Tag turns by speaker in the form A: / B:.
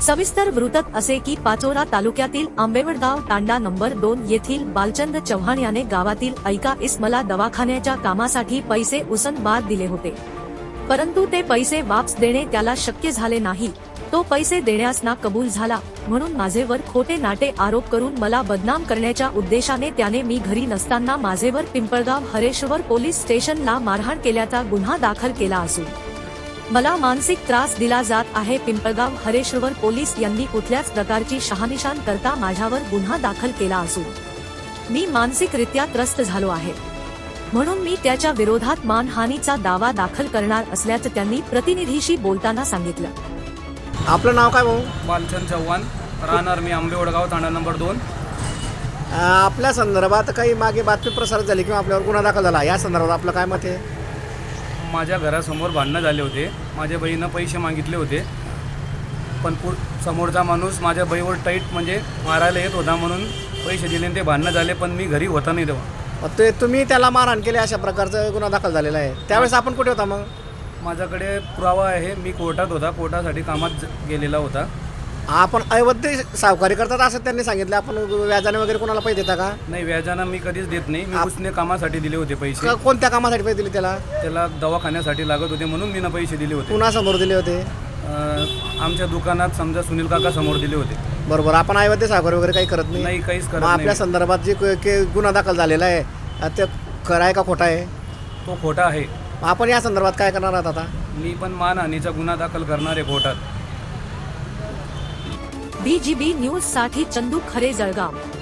A: सविस्तर वृत्त असे की पाचोरा तालुक्यातील आंबेवडगाव तांडा नंबर 2 येथील बालचंद चव्हाण याने गावातील ऐका इस्मला दवाखान्याच्या कामासाठी पैसे उसनबाद दिले होते, परंतु ते पैसे वापस देणे त्याला शक्य झाले नाही। तो पैसे देण्यास ना कबूल झाला, म्हणून माझेवर खोटे नाटे आरोप करून मला बदनाम करण्याच्या उद्देशाने त्याने मी घरी नसताना माझेवर पिंपळगाव हरेश्वर पोलीस स्टेशनला मारहाण केल्याचा गुन्हा दाखल केला असून मला मानसिक त्रास दिला जात आहे। पिंपळगाव हरेश्वर पोलीस यांनी कुठल्याच प्रकारची शहानिशान करता माझ्यावर गुन्हा दाखल केला असून मी मानसिकरित्या त्रस्त झालो आहे, म्हणून मी त्याच्या विरोधात मानहानीचा दावा दाखल करणार असल्याचं त्यांनी प्रतिनिधीशी बोलताना सांगितलं।
B: आपलं नाव काय भाऊ?
C: बालचंद चव्हाण, राहणार मी आंबेवडगाव तांडा नंबर 2।
B: आपल्या संदर्भात काही मागे बातमी प्रसारित झाली किंवा आपल्यावर गुन्हा दाखल झाला, या संदर्भात आपलं काय मत आहे?
C: माझ्या घरासमोर भांडणं झाले होते। माझ्या बहीनं पैसे मागितले होते, पण समोरचा माणूस माझ्या बहीवर टाईट म्हणजे मारायला येत होता, म्हणून पैसे दिले ते भांडणं झाले, पण मी घरी होता नाही तेव्हा।
B: ते तुम्ही त्याला मारहाण केली अशा प्रकारचा गुन्हा दाखल झालेला आहे, त्यावेळेस आपण कुठे होता? मग
C: माझ्याकडे पुरावा आहे, मी कोर्टात होता, कोर्टासाठी कामात गेलेला होता।
B: आपण अवैध सावकारी करतात असं त्यांनी सांगितलं, आपण व्याजाने वगैरे कोणाला पैसे देता का?
C: नाही, व्याजानं मी कधीच देत नाही। मी उसने कामासाठी दिले होते पैसे।
B: कोणत्या कामासाठी पैसे दिले त्याला?
C: त्याला दवाखान्यासाठी लागत होते, म्हणून मी पैसे दिले होते।
B: कुणासमोर दिले होते?
C: आमच्या दुकानात समजा सुनील काका समोर दिले होते।
B: बरोबर, आपण अवैध सावकारी वगैरे काही करत नाही?
C: नाही, काहीच करत
B: मग आपल्या
C: नाही।
B: संदर्भात जे गुन्हा दाखल झालेला आहे ते खरं आहे का खोटा आहे?
C: तो खोटा आहे।
B: आपण या संदर्भात काय करणार आहात आता?
C: मी पण मानहानीचा गुन्हा दाखल करणार आहे कोर्टात।
A: BGB न्यूज साठी चंदू खरे, जळगाव।